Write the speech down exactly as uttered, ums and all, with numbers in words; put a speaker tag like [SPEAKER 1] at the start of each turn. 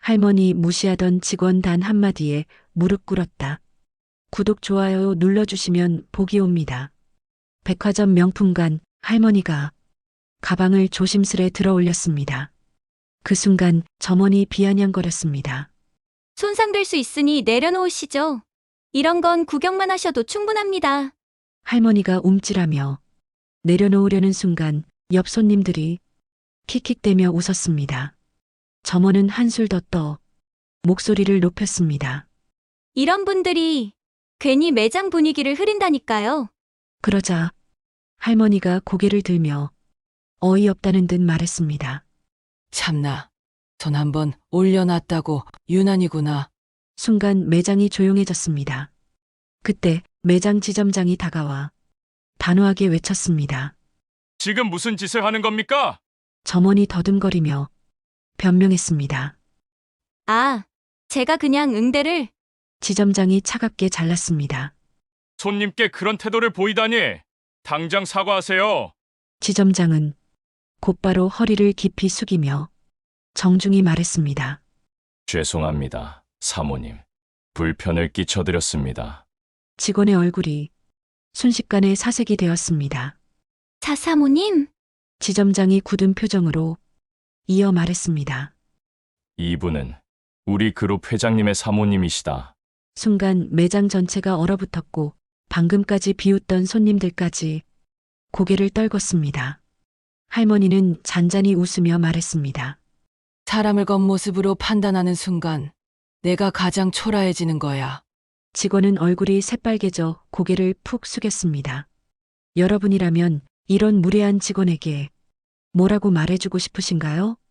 [SPEAKER 1] 할머니 무시하던 직원 단 한마디에 무릎 꿇었다. 구독, 좋아요 눌러주시면 복이 옵니다. 백화점 명품관 할머니가 가방을 조심스레 들어 올렸습니다. 그 순간 점원이 비아냥거렸습니다.
[SPEAKER 2] 손상될 수 있으니 내려놓으시죠. 이런 건 구경만 하셔도 충분합니다.
[SPEAKER 1] 할머니가 움찔하며 내려놓으려는 순간 옆 손님들이 킥킥대며 웃었습니다. 점원은 한술 더 떠 목소리를 높였습니다.
[SPEAKER 2] 이런 분들이 괜히 매장 분위기를 흐린다니까요.
[SPEAKER 1] 그러자 할머니가 고개를 들며 어이없다는 듯 말했습니다.
[SPEAKER 3] 참나, 돈 한번 올려놨다고 유난이구나.
[SPEAKER 1] 순간 매장이 조용해졌습니다. 그때 매장 지점장이 다가와 단호하게 외쳤습니다.
[SPEAKER 4] 지금 무슨 짓을 하는 겁니까?
[SPEAKER 1] 점원이 더듬거리며 변명했습니다.
[SPEAKER 2] 아, 제가 그냥 응대를.
[SPEAKER 1] 지점장이 차갑게 잘랐습니다.
[SPEAKER 4] 손님께 그런 태도를 보이다니. 당장 사과하세요.
[SPEAKER 1] 지점장은 곧바로 허리를 깊이 숙이며 정중히 말했습니다.
[SPEAKER 4] 죄송합니다, 사모님. 불편을 끼쳐드렸습니다.
[SPEAKER 1] 직원의 얼굴이 순식간에 사색이 되었습니다.
[SPEAKER 2] 자, 사모님.
[SPEAKER 1] 지점장이 굳은 표정으로 이어 말했습니다.
[SPEAKER 4] 이분은 우리 그룹 회장님의 사모님이시다.
[SPEAKER 1] 순간 매장 전체가 얼어붙었고 방금까지 비웃던 손님들까지 고개를 떨궜습니다. 할머니는 잔잔히 웃으며 말했습니다.
[SPEAKER 3] 사람을 겉모습으로 판단하는 순간 내가 가장 초라해지는 거야.
[SPEAKER 1] 직원은 얼굴이 새빨개져 고개를 푹 숙였습니다. 여러분이라면 이런 무례한 직원에게 뭐라고 말해주고 싶으신가요?